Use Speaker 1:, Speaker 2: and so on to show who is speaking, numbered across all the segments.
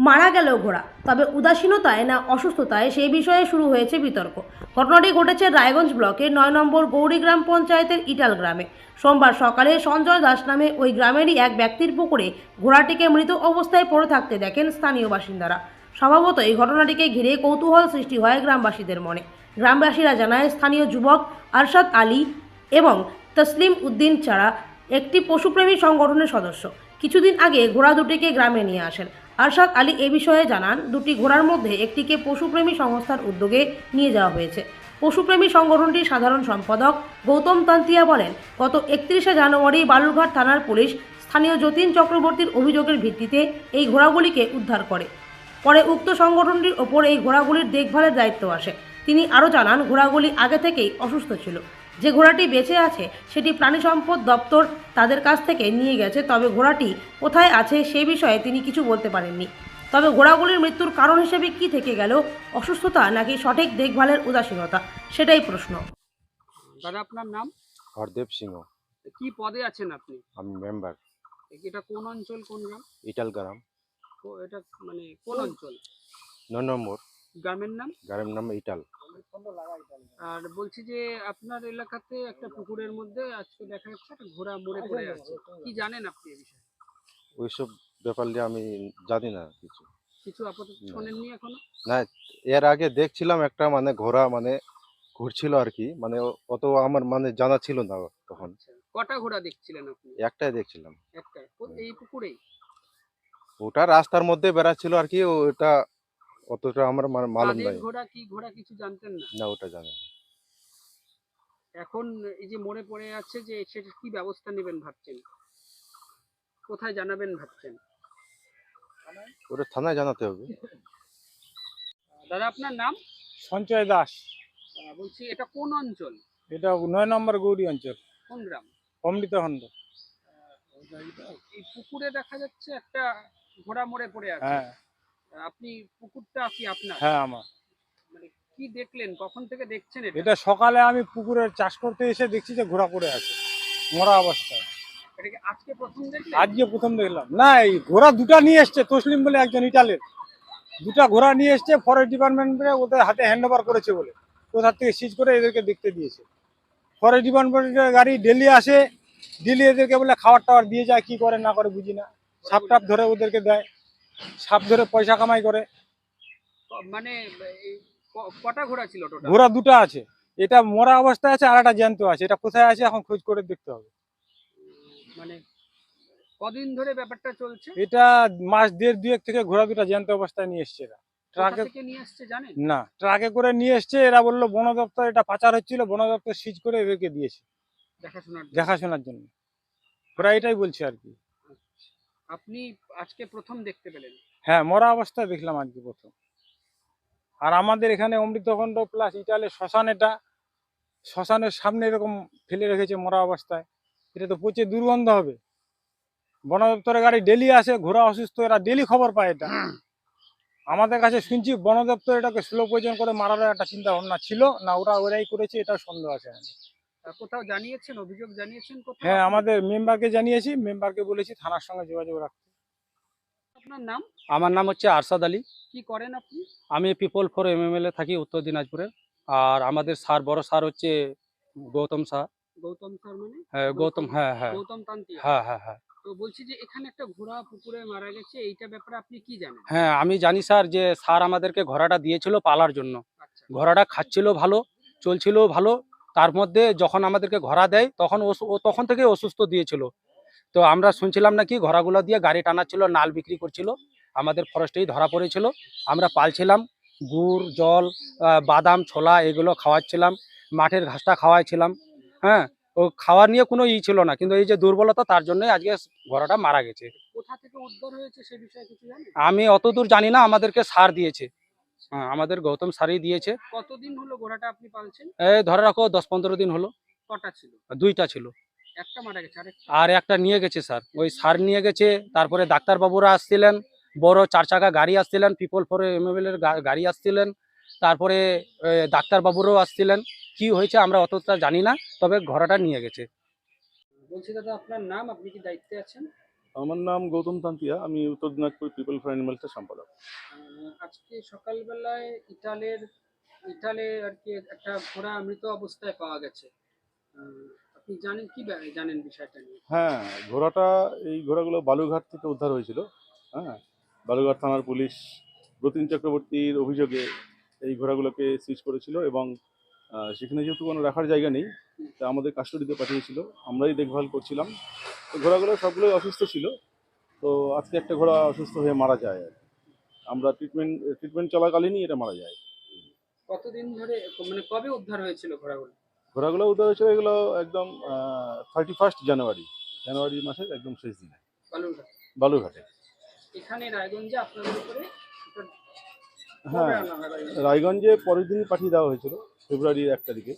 Speaker 1: মারা গেল ঘোড়া, তবে উদাসীনতায় না অসুস্থতায় সেই বিষয়ে শুরু হয়েছে বিতর্ক। ঘটনাটি ঘটেছে রায়গঞ্জ ব্লকের ৯ নম্বর গৌরী গ্রাম পঞ্চায়েতের ইটাল গ্রামে। সোমবার সকালে সঞ্জয় দাস নামে ওই গ্রামেরই এক ব্যক্তির পুকুরে ঘোড়াটিকে মৃত অবস্থায় পড়ে থাকতে দেখেন স্থানীয় বাসিন্দারা। স্বভাবত এই ঘটনাটিকে ঘিরে কৌতূহল সৃষ্টি হয় গ্রামবাসীদের মনে। গ্রামবাসীরা জানায়, স্থানীয় যুবক আরশাদ আলী এবং তসলিম উদ্দিন ছাড়া একটি পশুপ্রেমী সংগঠনের সদস্য কিছুদিন আগে ঘোড়া দুটিকে গ্রামে নিয়ে আসেন। আরশাদ আলী এ বিষয়ে জানান, দুটি ঘোড়ার মধ্যে একটিকে পশুপ্রেমী সংস্থার উদ্যোগে নিয়ে যাওয়া হয়েছে। পশুপ্রেমী সংগঠনটির সাধারণ সম্পাদক গৌতম তান্তিয়া বলেন, গত ৩১শে জানুয়ারি বালুরঘাট থানার পুলিশ স্থানীয় যতীন চক্রবর্তীর অভিযোগের ভিত্তিতে এই ঘোড়াগুলিকে উদ্ধার করে। পরে উক্ত সংগঠনটির ওপর এই ঘোড়াগুলির দেখভালের দায়িত্ব আসে। তিনি আরও জানান, ঘোড়াগুলি আগে থেকেই অসুস্থ ছিল। যে ঘোড়াটি বেঁচে আছে সেটি প্রাণী সম্পদ দপ্তর তাদের কাছ থেকে নিয়ে গেছে, তবে ঘোড়াটি কোথায় আছে সে বিষয়ে তিনি কিছু বলতে পারেননি। তবে ঘোড়াগুলির মৃত্যুর কারণ হিসেবে কি থেকে গেল, অসুস্থতা নাকি সঠিক দেখভালের উদাসীনতা, সেটাই প্রশ্ন।
Speaker 2: দাদা আপনার নাম?
Speaker 3: হরদেব সিংহ।
Speaker 2: কি পদে আছেন আপনি?
Speaker 3: আমি মেম্বার
Speaker 2: এটা কোন অঞ্চল, কোন গ্রাম?
Speaker 3: ইটাল গ্রাম,
Speaker 2: এটা মানে কোন অঞ্চল?
Speaker 3: ৯ নম্বর
Speaker 2: গ্রামের নাম?
Speaker 3: গ্রামের নাম ইটাল।
Speaker 2: আর বলছি যে আপনার এলাকাতে একটা পুকুরের মধ্যে আজকে দেখা যাচ্ছে একটা ঘোড়া মরে পড়ে আছে, কি জানেন আপনি এই বিষয়ে?
Speaker 3: ওইসব ব্যাপার নিয়ে আমি জানি না কিছু।
Speaker 2: কিছু আপাতত শোনেননি এখনো?
Speaker 3: না, এর আগে দেখছিলাম একটা মানে ঘোড়া মানে ঘুরছিল আর কি, মানে অত আমার মানে জানা ছিল না তখন।
Speaker 2: আচ্ছা, কটা ঘোড়া দেখছিলেন আপনি?
Speaker 3: একটাই দেখছিলাম।
Speaker 2: একটা এই পুকুরেই?
Speaker 3: ওটা রাস্তার মধ্যে বেড়াচ্ছিল আর কি, ওটা অতটা আমার মালুম
Speaker 2: কাদের
Speaker 3: নাই।
Speaker 2: ঘোড়া, কি ঘোড়া কিছু জানতেন না?
Speaker 3: না, ওটা জানি না।
Speaker 2: এখন এই যে মরে পড়ে আছে, যে সেটা কি ব্যবস্থা নেবেন ভাবছেন? কোথায় জানাবেন ভাবছেন?
Speaker 3: ওটা থানায় জানাতে হবে।
Speaker 2: দাদা আপনার নাম?
Speaker 4: সঞ্চয় দাস।
Speaker 2: বলছি এটা কোন অঞ্চল?
Speaker 4: এটা ৯ নম্বর গৌরী অঞ্চল,
Speaker 2: কোন গ্রাম?
Speaker 4: অমৃতখণ্ড।
Speaker 2: এই পুকুরে দেখা যাচ্ছে একটা ঘোড়া মরে পড়ে আছে।
Speaker 4: হ্যাঁ
Speaker 2: আপনি পুকুরটা কি আপনার?
Speaker 4: হ্যাঁ আমার।
Speaker 2: মানে কি দেখলেন, কখন থেকে দেখছেন এটা?
Speaker 4: এটা সকালে আমি পুকুরে চাষ করতে এসে দেখছি যে ঘোড়া পড়ে আছে মরা অবস্থায়।
Speaker 2: এটা কি আজকে প্রথম দেখলেন?
Speaker 4: আজকে প্রথম দেখলাম। না, এই ঘোড়া দুটা নিয়ে এসছে, তসলিম বলে একজন ইটালের, দুটা ঘোড়া নিয়ে এসছে, ফরেস্ট ডিপার্টমেন্টে ওদের হাতে হ্যান্ড ওভার করেছে বলে কোথা থেকে সিজ করে এদেরকে দেখতে দিয়েছে। ফরেস্ট ডিপার্টমেন্টের গাড়ি ডেলি আসে, ডেলি এদেরকে বলে খাবার টাবার দিয়ে যায়, কি করে না করে বুঝি না। সাপ টাপ ধরে ওদেরকে দেয়, সাপ ধরে পয়সা কামাই করে।
Speaker 2: মানে এই কটা ঘোড়া ছিল টোটাল?
Speaker 4: ঘোড়া দুটো আছে, এটা মরা অবস্থায় আছে আর একটা জ্যান্ত আছে। এটা কোথায় আছে এখন খোঁজ করে দেখতে হবে।
Speaker 2: মানে কদিন ধরে ব্যাপারটা চলছে?
Speaker 4: এটা মাস দেড় দুয়েক থেকে ঘোড়া দুটো জ্যান্ত অবস্থায় নিয়ে এসছে এরা।
Speaker 2: কোথা
Speaker 4: ট্রাকে
Speaker 2: থেকে নিয়ে আসছে জানেন?
Speaker 4: না, ট্রাকে করে নিয়ে এসছে। এরা বললো বন দপ্তর এটা পাচার হচ্ছিল, বন দপ্তর সিজ করে এদেরকে দিয়েছে
Speaker 2: দেখাশোনার জন্য?
Speaker 4: দেখাশোনার জন্য। ওরা এটাই বলছে আর কি।
Speaker 2: আপনি আজকে প্রথম দেখতে পেলেন?
Speaker 4: হ্যাঁ, মরা অবস্থায় দেখলাম আজকে প্রথম। আর আমাদের এখানে অমৃতখণ্ড প্লাস ইটালে শ্মশান, এটা শ্মশানের সামনে এরকম ফেলে রেখেছে মরা অবস্থায়। এটা তো পচে দুর্গন্ধ হবে। বন দপ্তরের গাড়ি ডেলি আসে, ঘোড়া অসুস্থ, এরা ডেলি খবর পায় এটা। আমাদের কাছে শুনছি বন দপ্তর এটাকে স্লো পয়জন করে মারার একটা চিন্তা ভাবনা ছিল না, ওরাই করেছে, এটা সন্দেহ আছে আমাদের।
Speaker 2: কোথাও জানিয়েছেন, অভিযোগ জানিয়েছেন কোথাও?
Speaker 4: হ্যাঁ, আমাদের মেম্বারকে জানিয়েছি, মেম্বারকে বলেছি থানার সঙ্গে যোগাযোগ রাখতে।
Speaker 2: আপনার নাম?
Speaker 5: আমার নাম হচ্ছে আরশাদ আলী।
Speaker 2: কি করেন আপনি?
Speaker 5: আমি পিপল ফর এমএমএল থাকি উত্তর দিনাজপুরের। আর আমাদের স্যার, বড় স্যার হচ্ছে গৌতম স্যার।
Speaker 2: গৌতম স্যার মানে?
Speaker 5: হ্যাঁ গৌতম, হ্যাঁ হ্যাঁ
Speaker 2: গৌতম তান্তিয়া?
Speaker 5: হ্যাঁ হ্যাঁ হ্যাঁ
Speaker 2: তো বলছি যে এখানে একটা ঘোড়া পুকুরে মারা গেছে, এইটা ব্যাপারে আপনি কি জানেন?
Speaker 5: হ্যাঁ, আমি জানি স্যার যে স্যার আমাদেরকে ঘোড়াটা দিয়েছিল পালার জন্য।
Speaker 2: আচ্ছা,
Speaker 5: ঘোড়াটা খাচ্ছিল ভালো, চলছিল ভালো। তার মধ্যে যখন আমাদেরকে ঘোড়া দেয় তখন ও তখন থেকে অসুস্থ দিয়েছিল। তো আমরা শুনছিলাম নাকি ঘোড়াগুলো দিয়ে গাড়ি টানাচ্ছিল, নাল বিক্রি করছিল। আমাদের ফরেস্টেই ধরা পড়েছিল। আমরা পালছিলাম, গুড় জল বাদাম ছোলা এগুলো খাওয়াচ্ছিলাম, মাঠের ঘাসটা খাওয়াইছিলাম। হ্যাঁ, ও খাওয়া নিয়ে কোনো ছিল না, কিন্তু এই যে দুর্বলতা, তার জন্যই আজকে ঘোড়াটা মারা গেছে।
Speaker 2: কোথা থেকে উদ্ধার হয়েছে সে বিষয়ে কিছু জানেন?
Speaker 5: আমি অতদূর জানি না, আমাদেরকে সার দিয়েছে। হ্যাঁ, আমাদের গৌতম সারই দিয়েছে।
Speaker 2: কতদিন হলো ঘোড়াটা আপনি পালছেন?
Speaker 5: এই ধরে রাখো 10-15 দিন হলো।
Speaker 2: কটা ছিল?
Speaker 5: দুইটা ছিল,
Speaker 2: একটা মারা গেছে, আরেকটা?
Speaker 5: আর একটা নিয়ে গেছে স্যার। ওই সার নিয়ে গেছে। তারপরে ডাক্তারবাবুরা আসছিলেন, বড় 4 চাকা গাড়ি আসছিলেন, পিপল ফর এমএমএল এর গাড়ি আসছিলেন। তারপরে ডাক্তারবাবুরাও আসছিলেন। কি হয়েছে আমরা অতটা জানি না, তবে ঘোড়াটা নিয়ে গেছে।
Speaker 2: বলছি দাদা আপনার নাম, আপনি কি দায়িত্বে আছেন?
Speaker 6: আমার নাম গৌতম তান্তিয়া, আমি উত্তর দিনাজপুর পিপল ফর অ্যানিমালসের সম্পাদক।
Speaker 2: আজকে সকালবেলায় ইটালে আর কি একটা ঘোড়া মৃত অবস্থায় পাওয়া গেছে। আপনি জানেন কি জানেন বিষয়টা নিয়ে?
Speaker 6: হ্যাঁ, এই ঘোড়াগুলো বালুরঘাট থেকে উদ্ধার হয়েছিল। হ্যাঁ, বালুরঘাট থানার পুলিশ যতীন চক্রবর্তীর অভিযোগে এই ঘোড়াগুলোকে সিজ করেছিল এবং সেখানে যেহেতু কোনো রাখার জায়গা নেই, তা আমাদের কাস্টডিতে পাঠিয়েছিল, আমরাই দেখভাল করছিলাম। তো ঘোড়াগুলো সবগুলোই অসুস্থ ছিল। তো আজকে একটা ঘোড়া অসুস্থ হয়ে মারা যায় আর কি। আমরা ট্রিটমেন্ট চলাকালীনই এটা মারা যায়।
Speaker 2: কতদিন ধরে মানে কবে উদ্ধার হয়েছিল ঘোড়াগুলো?
Speaker 6: ঘোড়াগুলো উদ্ধার হয়েছিল এগুলো একদম 31 জানুয়ারি মাসের একদম শেষ দিনে
Speaker 2: বালুরঘাট
Speaker 6: বালুরঘাটে।
Speaker 2: এখানে রায়গঞ্জে আপনাদের উপরে এটা
Speaker 6: হ্যাঁ,
Speaker 2: কবে আনা হয় রায়গঞ্জে?
Speaker 6: রায়গঞ্জে পরের দিনই পাঠিয়ে দেওয়া হয়েছিল, ফেব্রুয়ারির 1 তারিখে।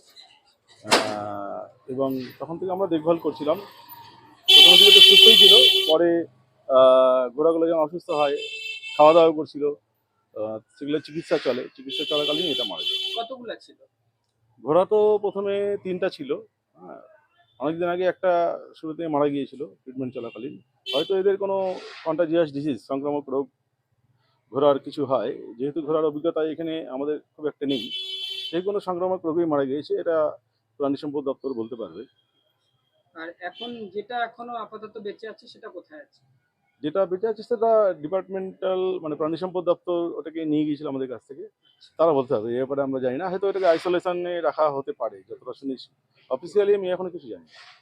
Speaker 6: এবং তখন থেকে আমরা দেখভাল করছিলাম। প্রথম দিকে তো সুস্থই ছিল, পরে ঘোড়াগুলো যখন অসুস্থ হয়, খাওয়া দাওয়া করছিল, সেগুলো চিকিৎসা চলাকালীন এটা মারা যায়।
Speaker 2: কতগুলা ছিল?
Speaker 6: ঘোড়া তো প্রথমে 3টা ছিল। হ্যাঁ, অনেকদিন আগে একটা শুরুতে মারা গিয়েছিল ট্রিটমেন্ট চলাকালীন। হয়তো এদের কোনো কন্টাজিয়াস ডিজিজ, সংক্রামক রোগ ঘোড়ার কিছু হয়, যেহেতু ঘোড়ার অভিজ্ঞতা এখানে আমাদের খুব একটা নেই, সেই কোনো সংক্রামক রোগেই মারা গিয়েছে, এটা প্রাণী সম্পদ দপ্তর বলতে পারবে।
Speaker 2: আর এখন যেটা এখনো আপাতত বেঁচে আছে সেটা কোথায় আছে?
Speaker 6: যেটা বেঁচে আছে সেটা ডিপার্টমেন্টাল মানে প্রাণী সম্পদ দপ্তর ওটাকে নিয়ে গিয়েছিল আমাদের কাছ থেকে, তারা বলতে হবে। এ ব্যাপারে আমরা জানি না, হয়তো এটাকে আইসোলেশনে রাখা হতে পারে, যতটা শুনেছি। অফিসিয়ালি আমি এখনো কিছু জানি না।